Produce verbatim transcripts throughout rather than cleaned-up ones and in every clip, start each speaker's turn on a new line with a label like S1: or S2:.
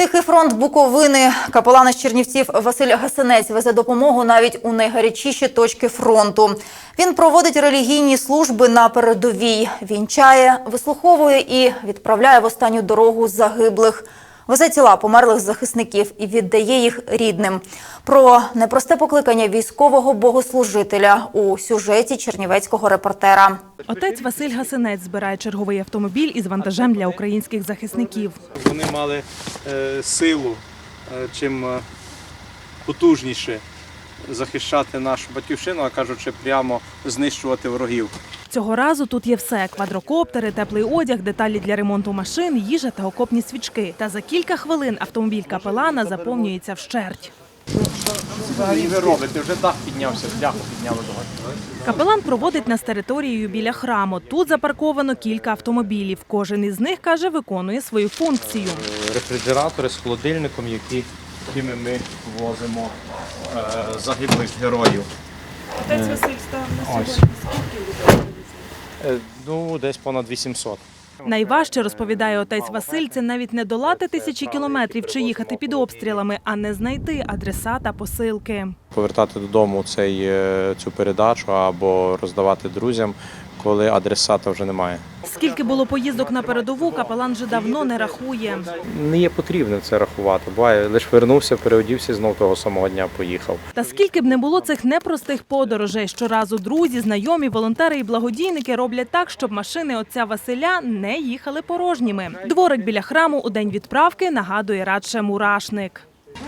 S1: Тихий фронт Буковини. Капелан із Чернівців Василь Гасинець везе допомогу навіть у найгарячіші точки фронту. Він проводить релігійні служби на передовій, вінчає, вислуховує і відправляє в останню дорогу загиблих. Везе тіла померлих захисників і віддає їх рідним. Про непросте покликання військового богослужителя у сюжеті чернівецького репортера.
S2: Отець Василь Гасинець збирає черговий автомобіль із вантажем для українських захисників.
S3: Вони мали е, силу, е, чим е, потужніше захищати нашу батьківщину, а кажучи, прямо знищувати ворогів.
S2: Цього разу тут є все – квадрокоптери, теплий одяг, деталі для ремонту машин, їжа та окопні свічки. Та за кілька хвилин автомобіль капелана заповнюється вщерть.
S3: Взагалі ви робите, вже дах піднявся, бляху підняли догори.
S2: Капелан проводить нас територією біля храму. Тут запарковано кілька автомобілів. Кожен із них, каже, виконує свою функцію.
S3: Рефрижератори з холодильником, які, якими ми возимо е, загиблих героїв.
S2: Отець Василь став на
S3: сьогодні.
S2: Скільки людей?
S3: Е, ну, десь понад вісімсот.
S2: Найважче, розповідає отець Василь, це навіть не долати тисячі кілометрів чи їхати під обстрілами, а не знайти адреса та посилки.
S3: Повертати додому цей, цю передачу або роздавати друзям, коли адресата вже немає.
S2: Скільки було поїздок на передову, капелан вже давно не рахує.
S3: Не є потрібно це рахувати. Буває, лише вернувся, переодівся, знов того самого дня поїхав.
S2: Та скільки б не було цих непростих подорожей, щоразу друзі, знайомі, волонтери і благодійники роблять так, щоб машини отця Василя не їхали порожніми. Дворик біля храму у день відправки нагадує радше мурашник.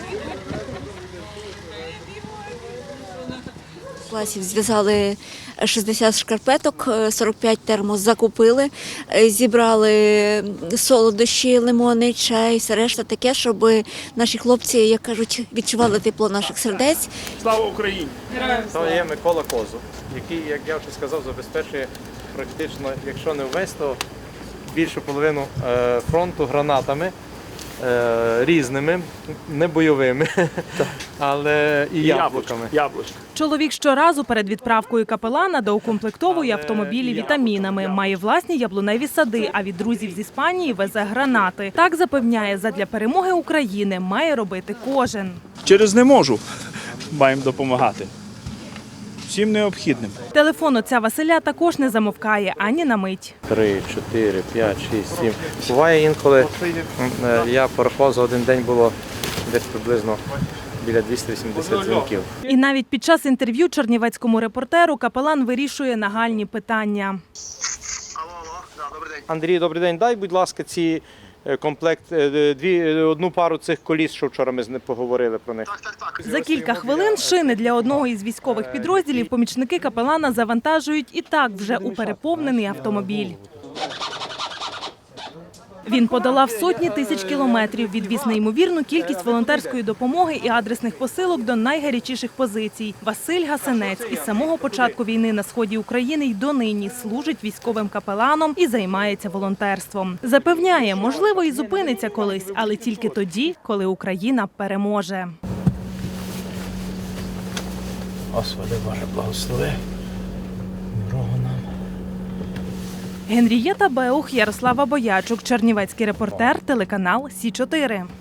S4: Класів зв'язали шістдесят шкарпеток, сорок п'ять термос закупили, зібрали солодощі, лимони, чай, все решта таке, щоб наші хлопці, як кажуть, відчували тепло наших сердець.
S3: Слава Україні! Це є Микола Козуб, який, як я вже сказав, забезпечує практично, якщо не весь, то більшу половину фронту гранатами. Різними, не бойовими, але і яблуками.
S2: Чоловік щоразу перед відправкою капелана доукомплектовує автомобілі вітамінами. Має власні яблуневі сади, а від друзів з Іспанії везе гранати. Так запевняє, задля перемоги України має робити кожен.
S5: Через не можу, маємо допомагати. Всім необхідним.
S2: Телефон отця Василя також не замовкає ані на мить.
S3: Три, чотири, п'ять, шість, сім. Буває інколи, я порахував, за один день було десь приблизно біля двісті вісімдесят дзвінків.
S2: І навіть під час інтерв'ю чернівецькому репортеру капелан вирішує нагальні питання.
S3: Андрій, добрий день. Дай, будь ласка, ці комплект, дві, одну пару цих коліс, що вчора ми з ним поговорили про них.
S6: Так, так, так.
S2: За кілька хвилин шини для одного із військових підрозділів помічники капелана завантажують і так вже у переповнений автомобіль. Він подолав сотні тисяч кілометрів, відвіз неймовірну кількість волонтерської допомоги і адресних посилок до найгарячіших позицій. Василь Гасинець із самого початку війни на сході України й донині служить військовим капеланом і займається волонтерством. Запевняє, можливо, і зупиниться колись, але тільки тоді, коли Україна переможе.
S5: Господи Боже, благослови. Дорогу нам.
S2: Генрієта Беух, Ярослава Боячук, чернівецький репортер, телеканал Сі чотири.